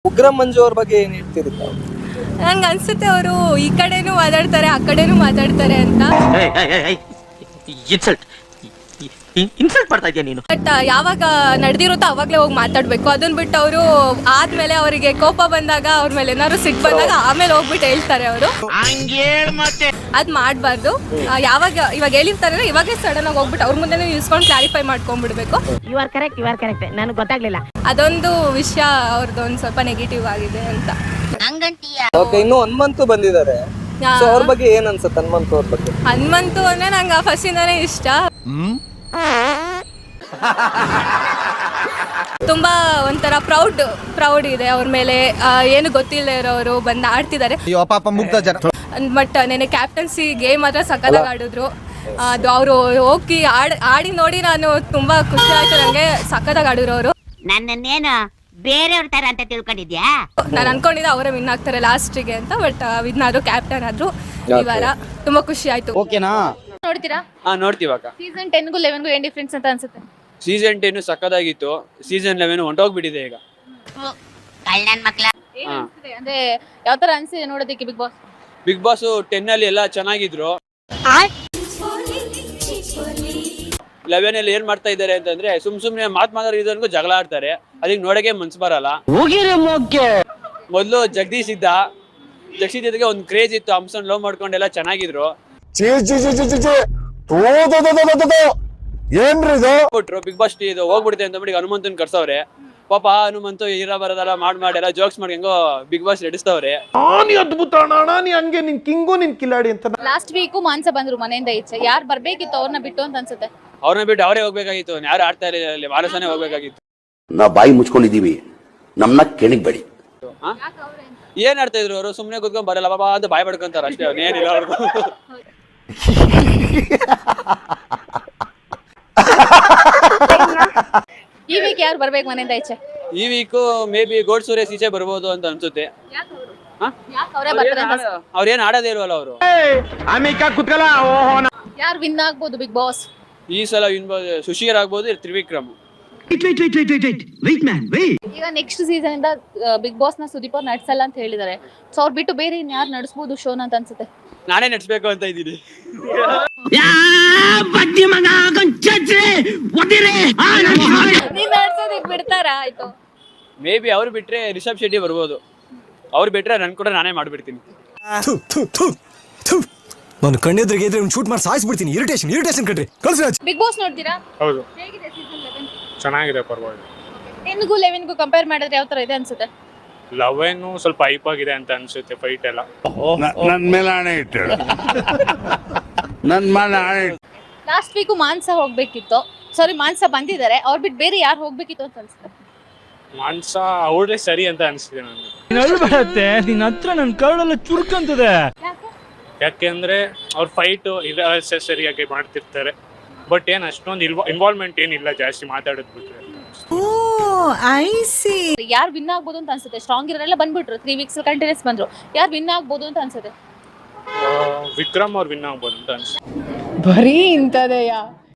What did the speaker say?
ಉಗ್ರ ಮಂಜು ಅವ್ರ ಬಗ್ಗೆ ಏನ್ ಹೇಳ್ತೀರಿ ತಾವು? ನಂಗೆ ಅನ್ಸುತ್ತೆ ಅವರು ಈ ಕಡೆನೂ ಮಾತಾಡ್ತಾರೆ ಆ ಕಡೆನೂ ಮಾತಾಡ್ತಾರೆ ಅಂತ. ಇನ್ಸಲ್ಟ್ ಮಾಡ್ತಾ ಇದೀಯ ನೀನು. ಬಟ್ ಯಾವಾಗ ನಡೆದಿರುತ್ತೋ ಅವಾಗಲೇ ಹೋಗಿ ಮಾತಾಡ್ಬೇಕು. ಅದನ್ನ ಬಿಟ್ಟು ಅವರು ಆದ್ಮೇಲೆ ಅವರಿಗೆ ಕೋಪ ಬಂದಾಗ ಅವ್ರ ಮೇಲೆ ಏನಾದ್ರು ಸಿಟ್ಟು ಬಂದಾಗ ಆಮೇಲೆ ಹೋಗ್ಬಿಟ್ಟು ಹೇಳ್ತಾರೆ ಅವರು. ಅದ್ ಮಾಡಬಾರ್ದು. ಇವಾಗ ಹೇಳಿರ್ತಾರೆ ಇವಾಗೇ ಸಡನ್ ಆಗಿ ಹೋಗ್ಬಿಟ್ಟು ಅವ್ರ ಮುಂದೆ ನಿಲ್ಸ್ಕೊಂಡು ಕ್ಲಾರಿಫೈ ಮಾಡ್ಕೊಂಡ್ಬಿಡ್ಬೇಕು. ಯು ಆರ್ ಕರೆಕ್ಟ್ ನನಗೆ ಗೊತ್ತಾಗ್ಲಿಲ್ಲ. ಅದೊಂದು ವಿಷಯ ಅವ್ರದ್ದು ಒಂದು ಸ್ವಲ್ಪ ನೆಗೆಟಿವ್ ಆಗಿದೆ ಅಂತ. ಓಕೆ, ಇನ್ನು ಹನುಮಂತು ಬಂದಿದ್ದಾರೆ. ಸೊ ಅವ್ರ ಬಗ್ಗೆ ಏನ್ ಅನ್ಸುತ್ತೆ ಹನುಮಂತು ಅವ್ರ ಬಗ್ಗೆ? ಹನುಮಂತು ಅಂದ್ರೆ ನಂಗೆ ಫಸ್ಟಿಂದಾನೇ ಇಷ್ಟ. ತುಂಬಾ ಒಂಥರ ಪ್ರೌಡ್ ಇದೆ ಅವ್ರ ಮೇಲೆ. ಏನು ಗೊತ್ತಿಲ್ಲ ಇರೋರು ಬಂದು ಆಡ್ತಿದ್ದಾರೆ. ಬಟ್ ನೆನೆ ಕ್ಯಾಪ್ಟನ್ಸಿ ಗೇಮ್ ಮಾತ್ರ ಸಕ್ಕತ್ತಾಗಿ ಆಡಿದ್ರು. ಅದು ಅವರು ಹೋಗಿ ಆಡಿ ನೋಡಿ ನಾನು ತುಂಬಾ ಖುಷಿ ಆಯ್ತು. ನಂಗೆ ಸಕ್ಕತ್ತಾಗಿ ಆಡಿದ್ರು ಅವರು. ನನ್ನೇನು ಬೇರೆಯವ್ರ ತರ ಅಂತ ತಿಳ್ಕೊಂಡಿದ್ಯಾ? ನಾನು ಅನ್ಕೊಂಡಿದ್ದೆ ಅವರೇ ವಿನ್ ಆಗ್ತಾರೆ ಲಾಸ್ಟಿಗೆ ಅಂತ. ಬಟ್ ವಿನ್ ಆದ್ರು, ಕ್ಯಾಪ್ಟನ್ ಆದ್ರು ಈ ವಾರ. ತುಂಬಾ ಖುಷಿ ಆಯ್ತು. ಓಕೆನಾ? ನೋಡ್ತೀರಾ? ನೋಡ್ತೀವಾಗ. ಸೀಸನ್ 10ಗೂ 11ಗೂ ಏನ್ ಡಿಫ್ರೆನ್ಸ್ ಅಂತ ಅನ್ಸುತ್ತೆ? ಸೀಸನ್ 10 ಸಕ್ಕದಾಗಿತ್ತು. ಸೀಸನ್ 11 ಹೊಂಟೋಗ್ಬಿಟ್ಟಿದೆ ಈಗ. ಕಳ್ಳನ್ ಮಕ್ಳ ಏನ್ ಅನ್ಸುತ್ತೆ? ಅಂದ್ರೆ ಯಾವ ತರ ಅನ್ಸಿದೆ ನೋಡೋದಕ್ಕೆ ಬಿಗ್ ಬಾಸ್? ಬಿಗ್ ಬಾಸ್ 10 ಅಲ್ಲಿ ಎಲ್ಲ ಚೆನ್ನಾಗಿದ್ರು. 11 ಅಲ್ಲಿ ಏನ್ ಮಾಡ್ತಾ ಇದ್ದಾರೆ ಅಂತಂದ್ರೆ ಸುಮ್ನೆ ಮಾತಾಡೋದಕ್ಕೂ ಜಗಳ ಆಡ್ತಾರೆ. ಅದಕ್ಕೆ ನೋಡಕ್ಕೆ ಮನ್ಸು ಬರಲ್ಲ. ಮೊದ್ಲು ಜಗದೀಶ್ ಜೊತೆಗೆ ಒಂದು ಕ್ರೇಜ್ ಇತ್ತು. ಹಂಸನ್ ಲವ್ ಮಾಡ್ಕೊಂಡೆಲ್ಲ ಚೆನ್ನಾಗಿದ್ರು. ಬಿಟ್ರು ಬಿಗ್ ಬಾಸ್ ಇದು ಹೋಗ್ಬಿಡುತ್ತೆ ಅಂತ ಬಿಡಿ ಹನುಮಂತನ್ ಕರ್ಸವ್ರೆ. ಪಾಪ ಹನುಮಂತು ಹೀರಾ ಬರೋದಲ್ಲ ಎಲ್ಲ ಜೋಕ್ಸ್ ಮಾಡಿ ಹೆಂಗೋ ಬಿಗ್ ಬಾಸ್ ನಡೆಸ್ತವ್ರೆ. ಅದ್ಭುತ ಅಣ್ಣ, ನೀ ಹಂಗೆ ನಿನ್ ಕಿಂಗು ನಿನ್ ಕಿಲಾಡಿ ಅಂತ. ಲಾಸ್ಟ್ ವೀಕು ಮಾನ್ಸ ಬಂದ್ರು ಮನೆಯಿಂದ ಈಚೆ. ಯಾರು ಬರ್ಬೇಕಿತ್ತು ಅವ್ರನ್ನ ಬಿಟ್ಟು ಅಂತ ಅನ್ಸುತ್ತೆ? ಅವ್ರನ್ನ ಬಿಟ್ಟು ಅವರೇ ಹೋಗ್ಬೇಕಾಗಿತ್ತು. ಯಾರು ಆಡ್ತಾ ಇರಲಿಲ್ಲ, ಮಾನಸನೇ ಹೋಗ್ಬೇಕಾಗಿತ್ತು. ನಾವು ಬಾಯಿ ಮುಚ್ಕೊಂಡಿದೀವಿ, ನಮ್ನ ಕೆಣಕ್ಬೇಡಿ. ಏನ್ ಆಡ್ತಾ ಇದ್ರು ಅವರು? ಸುಮ್ನೆ ಕೂತ್ಕೊಂಡ್ ಬರಲ್ಲ ಬಾಬಾ ಅಂತ ಬಾಯ್ ಪಡ್ಕೊಂತಾರ ಅಷ್ಟೇ. ಅವ್ನೇನಿಲ್ಲ ಅವ್ರದ್ದು. ಈ ವೀಕ್ ಯಾರು ಬರ್ಬೇಕು ಮನೆಯಿಂದ ಈಚೆ? ಈ week maybe Gold Suresh ಈಚೆ ಬರ್ಬೋದು ಅಂತ ಅನ್ಸುತ್ತೆ. ಅವ್ರೇನ್ ಆಡೋದೇ ಇಲ್ವಲ್ಲ ಅವರು. ಯಾರು ವಿನ್ ಆಗ್ಬೋದು ಬಿಗ್ ಬಾಸ್ ಈ ಸಲ? ಸುಶೀರ್ ಆಗ್ಬೋದು, ತ್ರಿವಿಕ್ರಮ್. ಈಗ ನೆಕ್ಸ್ಟ್ ಸೀಸನ್ ಇಂದ ಬಿಗ್ ಬಾಸ್ ನ ಸುದೀಪ್ ಅವ್ರು ನಡ್ಸಲ್ಲ ಅಂತ ಹೇಳಿದಾರೆ. ಸೊ ಅವ್ರು ಬಿಟ್ಟು ಬೇರೆ ಇನ್ ಯಾರು ನಡೆಸಬಹುದು ಶೋನ ಅಂತ ಅನ್ಸುತ್ತೆ? ನಾನೇ ನಡ್ಸ್ಬೇಕು ಅಂತ ಇದ್ದೀನಿ. ನೀನ್ ನಡ್ಸೋದಕ್ ಬಿಡ್ತಾರಾ? ಆಯ್ತು, ಮೇ ಬಿ ಅವ್ರು ಬಿಟ್ರೆ ರಿಷಬ್ ಶೆಟ್ಟಿ ಬರ್ಬೋದು. ಅವ್ರು ಬಿಟ್ರೆ ನನ್ ಕೂಡ ನಾನೇ ಮಾಡ್ಬಿಡ್ತೀನಿ. ನಾನು ಕಣ್ಣೆದ್ರಿಗೆ ಇದ್ರೆ ಒಂದು ಶೂಟ್ ಮಾಡಿ ಸಾಯಿಸ್ಬಿಡ್ತೀನಿ. ಇರಿಟೇಷನ್ ಕಣ್ರಿ. ಕಳ್ಸಿ ರಾಜ್. ಬಿಗ್ ಬಾಸ್ ನೋಡ್ತೀರಾ? ಹೌದು, ಹೇಗಿದೆ ಸೀಸನ್ 11? ಚೆನ್ನಾಗಿದೆ, ಪರವಾಗಿಲ್ಲ. 10ಗೂ 11ಗೂ ಕಂಪೇರ್ ಮಾಡಿದ್ರೆ ಯಾವ ತರ ಇದೆ ಅನ್ಸುತ್ತೆ? 11 ಸ್ವಲ್ಪ ಹೈಪ್ ಆಗಿದೆ ಅಂತ ಅನ್ಸುತ್ತೆ. ಫೈಟ್ ಎಲ್ಲ ನನ್ ಮೇಲೆ ಆಣೆ ಇಟ್ಟು ಲಾಸ್ಟ್ ವೀಕು ಮಾನ್ಸ ಹೋಗ್ಬೇಕಿತ್ತು. ಸಾರಿ, ಮಾನ್ಸ ಬಂದಿದ್ದಾರೆ. ಅವ್ರು ಬಿಟ್ಟು ಬೇರೆ ಯಾರು ಹೋಗ್ಬೇಕಿತ್ತು ಅಂತ ಅನ್ಸುತ್ತೆ? ಮಾನ್ಸ ಅವ್ರೇ ಸರಿ ಅಂತ ಅನ್ಸಿದೆ ನನಗೆ. ನಿನ್ನ ಹತ್ರ ನನ್ ಕರಳೆಲ್ಲ ಚುರುಕಂತದೆ. ಯಾಕೆಂದ್ರೆ ಅವ್ರ ಫೈಟ್ ಸರಿಯಾಗಿ ಮಾಡ್ತಿರ್ತಾರೆ. ಬಟ್ ಏನ್ ಅಷ್ಟೊಂದು ಇನ್ವಾಲ್ವ್ಮೆಂಟ್ ಏನಿಲ್ಲ ಜಾಸ್ತಿ ಮಾತಾಡೋದ್ ಬಿಟ್ರೆ. ಯಾರು ವಿನ್ ಆಗ್ಬೋದು ಅಂತ ಅನ್ಸುತ್ತೆ? ಸ್ಟ್ರಾಂಗ್ ಇರೋರೆಲ್ಲ ಬಂದ್ಬಿಟ್ರು. 3 ವೀಕ್ಸ್ ಕಂಟಿನ್ಯೂಸ್ ಬಂದ್ರು. ಯಾರು ವಿನ್ ಆಗ್ಬೋದು ಅಂತ ಅನ್ಸುತ್ತೆ? ವಿಕ್ರಮ್ ಅವ್ರು ವಿನ್ ಆಗ್ಬೋದು ಅಂತ ಅನ್ಸುತ್ತೆ. ಬರೀ ಇಂಥದೆಯಾ?